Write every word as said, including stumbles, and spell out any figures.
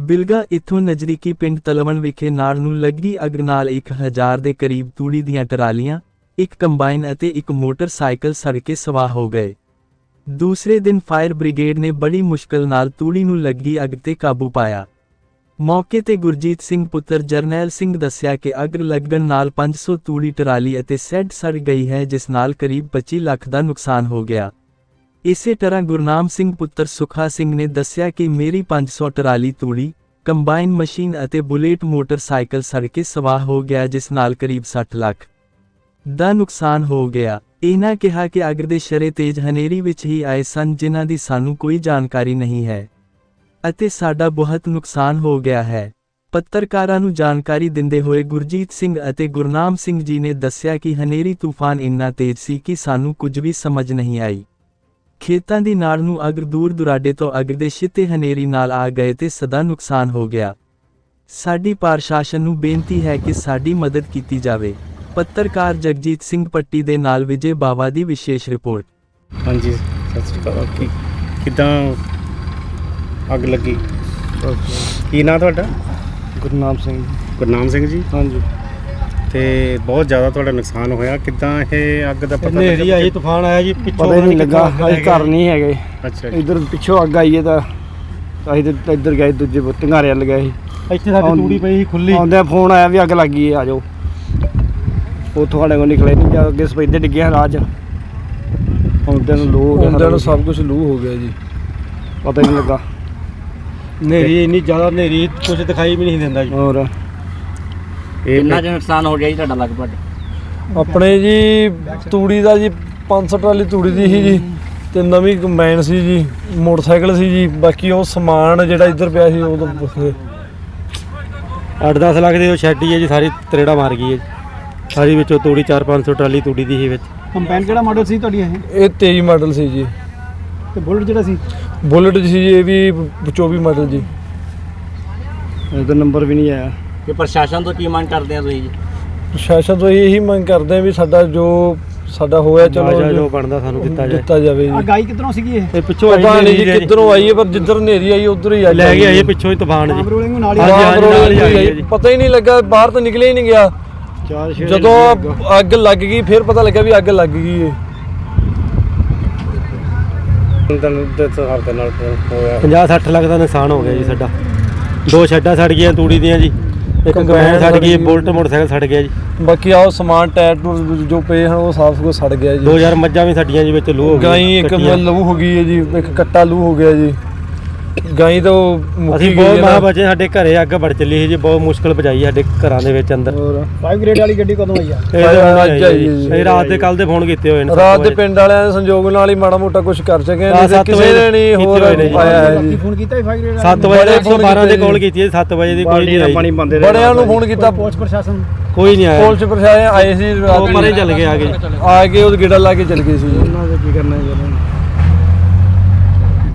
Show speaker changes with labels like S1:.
S1: ਬਿਲਗਾ ਇੱਥੋਂ ਨਜ਼ਦੀਕੀ ਪਿੰਡ ਤਲਵਣ ਵਿਖੇ ਨਾੜ ਨੂੰ ਲੱਗੀ ਅੱਗ ਨਾਲ ਇੱਕ ਹਜ਼ਾਰ ਦੇ ਕਰੀਬ ਤੂੜੀ ਦੀਆਂ ਟਰਾਲੀਆਂ, ਇੱਕ ਕੰਬਾਈਨ ਅਤੇ ਇੱਕ ਮੋਟਰਸਾਈਕਲ ਸੜ ਕੇ ਸਵਾਹ ਹੋ ਗਏ। ਦੂਸਰੇ ਦਿਨ ਫਾਇਰ ਬ੍ਰਿਗੇਡ ਨੇ ਬੜੀ ਮੁਸ਼ਕਲ ਨਾਲ ਤੂੜੀ ਨੂੰ ਲੱਗੀ ਅੱਗ ਤੇ ਕਾਬੂ ਪਾਇਆ। ਮੌਕੇ ਤੇ ਗੁਰਜੀਤ ਸਿੰਘ ਪੁੱਤਰ ਜਰਨੈਲ ਸਿੰਘ ਦੱਸਿਆ ਕਿ ਅੱਗ ਲੱਗਣ ਨਾਲ ਪੰਜ ਸੌ ਤੂੜੀ ਟਰਾਲੀ ਅਤੇ ਸੈੱਡ ਸੜ ਗਈ ਹੈ, ਜਿਸ ਨਾਲ ਕਰੀਬ ਪੱਚੀ ਲੱਖ ਦਾ ਨੁਕਸਾਨ ਹੋ ਗਿਆ। ਇਸੇ ਤਰ੍ਹਾਂ ਗੁਰਨਾਮ ਸਿੰਘ ਪੁੱਤਰ ਸੁਖਾ ਸਿੰਘ ਨੇ ਦੱਸਿਆ ਕਿ ਮੇਰੀ ਪੰਜ ਸੌ ਟਰਾਲੀ ਤੂੜੀ, ਕੰਬਾਈਨ ਮਸ਼ੀਨ ਅਤੇ ਬੁਲੇਟ ਮੋਟਰਸਾਈਕਲ ਸੜ ਕੇ ਸਵਾਹ ਹੋ ਗਿਆ, ਜਿਸ ਨਾਲ ਕਰੀਬ ਸੱਠ ਲੱਖ ਦਾ ਨੁਕਸਾਨ ਹੋ ਗਿਆ। ਇਹਨਾਂ ਕਿਹਾ ਕਿ ਅੱਗ ਦੇ ਸ਼ਰੇ ਤੇਜ਼ ਹਨੇਰੀ ਵਿੱਚ ਹੀ ਆਏ ਸਨ, ਜਿਨ੍ਹਾਂ ਦੀ ਸਾਨੂੰ ਕੋਈ ਜਾਣਕਾਰੀ ਨਹੀਂ ਹੈ ਅਤੇ ਸਾਡਾ ਬਹੁਤ ਨੁਕਸਾਨ ਹੋ ਗਿਆ ਹੈ। ਪੱਤਰਕਾਰਾਂ ਨੂੰ ਜਾਣਕਾਰੀ ਦਿੰਦੇ ਹੋਏ ਗੁਰਜੀਤ ਸਿੰਘ ਅਤੇ ਗੁਰਨਾਮ ਸਿੰਘ ਜੀ ਨੇ ਦੱਸਿਆ ਕਿ ਹਨੇਰੀ ਤੂਫਾਨ ਇੰਨਾ ਤੇਜ਼ ਸੀ ਕਿ ਸਾਨੂੰ ਕੁਝ ਵੀ ਸਮਝ ਨਹੀਂ ਆਈ। ਖੇਤਾਂ ਦੀ ਨਾੜ ਨੂੰ ਅੱਗ ਦੂਰ ਦੁਰਾਡੇ ਤੋਂ ਅੱਗ ਦੇ ਛਿੱਟੇ ਹਨੇਰੀ ਨਾਲ ਆ ਗਏ ਤੇ ਸਦਾ ਨੁਕਸਾਨ ਹੋ ਗਿਆ। ਸਾਡੀ ਪ੍ਰਸ਼ਾਸਨ ਨੂੰ ਬੇਨਤੀ ਹੈ ਕਿ ਸਾਡੀ ਮਦਦ ਕੀਤੀ ਜਾਵੇ। ਪੱਤਰਕਾਰ ਜਗਜੀਤ ਸਿੰਘ ਪੱਟੀ ਦੇ ਨਾਲ ਵਿਜੇ ਬਾਵਾ ਦੀ ਵਿਸ਼ੇਸ਼ ਰਿਪੋਰਟ।
S2: ਹਾਂਜੀ, ਸਤਿ ਸ਼੍ਰੀ ਅਕਾਲ। ਕੀ ਕਿੱਦਾਂ ਅੱਗ ਲੱਗੀ? ਕੀ ਨਾਂ ਤੁਹਾਡਾ?
S3: ਗੁਰਨਾਮ ਸਿੰਘ।
S2: ਗੁਰਨਾਮ ਸਿੰਘ ਜੀ।
S3: ਹਾਂਜੀ।
S2: ਤੇ ਬਹੁਤ ਜ਼ਿਆਦਾ ਤੁਹਾਡਾ ਨੁਕਸਾਨ ਹੋਇਆ, ਕਿੱਦਾਂ ਇਹ ਅੱਗ ਦਾ ਪਤਾ
S3: ਹਨੇਰੀ ਆਈ, ਤੂਫਾਨ ਆਇਆ ਜੀ, ਪਿੱਛੋਂ ਪਤਾ ਨਹੀਂ ਲੱਗਾ। ਅਸੀਂ ਘਰ ਨਹੀਂ ਹੈਗੇ।
S2: ਅੱਛਾ,
S3: ਇੱਧਰ ਪਿੱਛੋਂ ਅੱਗ ਆਈ ਹੈ ਤਾਂ ਅਸੀਂ ਤਾਂ ਇੱਧਰ ਗਏ, ਦੂਜੇ ਢੰਗਾਰੇ ਵੱਲ ਗਏ ਸੀ। ਇੱਥੇ ਸਾਡੀ ਤੂੜੀ ਪਈ ਸੀ ਖੁੱਲੀ, ਆਉਂਦਿਆਂ ਫੋਨ ਆਇਆ ਵੀ ਅੱਗ ਲੱਗ ਗਈ ਹੈ, ਆ ਜਾਓ। ਉਹ ਤੁਹਾਡੇ ਕੋਲ ਨਿਕਲੇ ਨਹੀਂ, ਜਾ ਅੱਗੇ ਸਪੈਦੇ ਡਿੱਗਿਆ ਰਾਹ 'ਚ। ਆਉਂਦਿਆਂ ਨੂੰ ਲੂ ਹੋ ਗਿਆ, ਆਉਂਦਿਆਂ ਨੂੰ ਸਭ ਕੁਝ ਲੂ ਹੋ ਗਿਆ ਜੀ, ਪਤਾ ਹੀ ਨਹੀਂ ਲੱਗਾ। ਹਨੇਰੀ ਇੰਨੀ ਜ਼ਿਆਦਾ ਹਨੇਰੀ, ਕੁਝ ਦਿਖਾਈ ਵੀ ਨਹੀਂ ਦਿੰਦਾ ਜੀ। ਹੋਰ
S4: ਕਿੰਨਾ ਕੁ ਨੁਕਸਾਨ ਹੋ ਗਿਆ ਜੀ ਤੁਹਾਡਾ ਲਗਭਗ?
S5: ਆਪਣੇ ਜੀ ਤੂੜੀ ਦਾ ਜੀ ਪੰਜ ਸੌ ਟਰਾਲੀ ਤੂੜੀ ਦੀ ਸੀ ਜੀ, ਤੇ ਨਵੀਂ ਕੰਬਾਈਨ ਸੀ ਜੀ, ਮੋਟਰਸਾਈਕਲ ਸੀ ਜੀ। ਬਾਕੀ ਉਹ ਸਮਾਨ ਜਿਹੜਾ ਇੱਧਰ ਪਿਆ ਸੀ ਉਹ ਤਾਂ
S3: ਅੱਠ ਦਸ ਲੱਖ ਦੀ ਉਹ ਸ਼ੈਡ ਹੀ ਹੈ ਜੀ, ਸਾਰੀ ਤਰੇੜਾ ਮਾਰ ਗਈ ਹੈ ਸਾਰੀ। ਵਿੱਚੋਂ ਤੂੜੀ ਚਾਰ ਪੰਜ ਸੌ ਟਰਾਲੀ ਤੂੜੀ ਦੀ ਸੀ ਵਿੱਚ। ਕੰਬਾਈਨ ਕਿਹੜਾ ਮਾਡਲ ਸੀ ਤੁਹਾਡੀ? ਇਹ
S5: ਇਹ ਤੇਈ ਮਾਡਲ ਸੀ ਜੀ।
S3: ਤੇ ਬੁਲਟ ਜਿਹੜਾ ਸੀ?
S5: ਬੁਲਟ ਸੀ ਜੀ, ਇਹ ਵੀ ਚੌਵੀ ਮਾਡਲ ਜੀ।
S3: ਇਹਦਾ ਨੰਬਰ ਵੀ ਨਹੀਂ ਆਇਆ।
S4: ਕਿ ਪ੍ਰਸ਼ਾਸਨ ਤੋਂ ਕੀ ਮੰਗ ਕਰਦੇ ਆ ਤੁਸੀਂ ਜੀ?
S5: ਪ੍ਰਸ਼ਾਸਨ ਤੋਂ ਇਹੀ ਮੰਗ ਕਰਦੇ ਆ ਵੀ ਸਾਡਾ ਜੋ ਸਾਡਾ ਹੋਇਆ ਚਲੋ
S3: ਜੋ ਬਣਦਾ ਸਾਨੂੰ ਦਿੱਤਾ ਜਾਵੇ
S5: ਦਿੱਤਾ ਜਾਵੇ ਜੀ।
S3: ਗਾਈ ਕਿੱਧਰੋਂ ਸੀਗੀ ਇਹ? ਪਿੱਛੋਂ
S5: ਪਤਾ ਨਹੀਂ ਜੀ ਕਿੱਧਰੋਂ ਆਈ ਹੈ, ਪਰ ਜਿੱਧਰ ਹਨੇਰੀ ਆਈ ਉਧਰ ਹੀ ਆਈ,
S3: ਲੈ ਕੇ ਆਈ ਪਿੱਛੋਂ ਹੀ ਤੂਫਾਨ ਜੀ।
S5: ਪਤਾ ਹੀ ਨਹੀਂ ਲੱਗਾ, ਬਾਹਰ ਤਾਂ ਨਿਕਲਿਆ ਹੀ ਨਹੀਂ ਗਿਆ। ਜਦੋਂ ਅੱਗ ਲੱਗ ਗਈ ਫਿਰ ਪਤਾ ਲੱਗਾ ਵੀ ਅੱਗ ਲੱਗ ਗਈ ਹੈ।
S3: ਪੰਜਾਹ ਸੱਠ ਲੱਖ ਦਾ ਨੁਕਸਾਨ ਹੋ ਗਿਆ ਜੀ ਸਾਡਾ। ਦੋ ਸ਼ੈੱਡਾਂ ਸੜ ਗਈਆਂ ਤੂੜੀ ਦੀਆਂ ਜੀ, ਇੱਕ ਕੰਬਾਈਨ ਸੜ ਗਈ, ਬੁਲਟ ਮੋਟਰਸਾਈਕਲ ਸੜ ਗਿਆ ਜੀ।
S5: ਬਾਕੀ ਆਹ ਸਮਾਨ ਟਾਇਰ ਜੋ ਪਏ ਹਨ ਉਹ ਸਾਫ ਕੁਝ ਸੜ ਗਿਆ ਜੀ।
S3: ਦੋ ਹਜ਼ਾਰ ਮੱਝਾਂ ਵੀ ਸਾਡੀਆਂ ਜੀ ਵਿੱਚ ਲੂ ਹੋ ਗਈ।
S5: ਗਾਈ ਇੱਕ ਲੂ ਹੋ ਗਈ ਹੈ ਜੀ, ਇੱਕ ਕੱਟਾ ਲੂ ਹੋ ਗਿਆ ਜੀ। ਗਾਈ ਤਾਂ
S3: ਅਸੀਂ ਬਹੁਤ ਮਾਂ ਬਚੇ, ਸਾਡੇ ਘਰੇ ਅੱਗ ਵੜ ਚੱਲੀ ਸੀ ਜੀ, ਬਹੁਤ ਮੁਸ਼ਕਲ ਬਚਾਈ ਸਾਡੇ ਘਰਾਂ ਦੇ ਵਿੱਚ ਅੰਦਰ।
S5: ਫਾਈਵ ਗ੍ਰੇਡ ਵਾਲੀ ਗੱਡੀ ਕਦੋਂ ਆਈ ਆ?
S3: ਇਹ ਰਾਤ ਦੇ ਕੱਲ ਦੇ ਫੋਨ ਕੀਤੇ ਹੋਏ ਨੇ।
S5: ਰਾਤ ਦੇ ਪਿੰਡ ਵਾਲਿਆਂ ਦੇ ਸੰਯੋਗ ਨਾਲ ਹੀ ਮਾੜਾ ਮੋਟਾ ਕੁਝ ਕਰ ਸਕੇ, ਕਿਸੇ ਨੇ ਨਹੀਂ ਹੋਰ ਆਇਆ ਹੈ ਜੀ।
S3: ਫੋਨ ਕੀਤਾ ਫਾਈਵ ਗ੍ਰੇਡ ਸੱਤ ਵਜੇ ਇੱਕ ਸੌ ਬਾਰਾਂ ਦੇ ਕਾਲ ਕੀਤੀ ਹੈ, ਸੱਤ ਵਜੇ ਦੀ ਕੋਈ ਨਹੀਂ ਆਈ।
S5: ਬੜਿਆਂ ਨੂੰ ਫੋਨ ਕੀਤਾ,
S3: ਪੁਲਿਸ ਪ੍ਰਸ਼ਾਸਨ ਕੋਈ ਨਹੀਂ ਆਇਆ।
S5: ਪੁਲਿਸ ਪ੍ਰਸ਼ਾਸਨ ਆਏ ਸੀ, ਰਾਤ
S3: ਪਰੇ ਚੱਲ ਗਏ, ਆ ਗਏ
S5: ਆ ਕੇ ਉਹ ਗੇੜਾ ਲਾ ਕੇ ਚੱਲ ਗਏ ਸੀ। ਉਹਨਾਂ ਦਾ ਕੀ ਕਰਨਾ ਜੀ।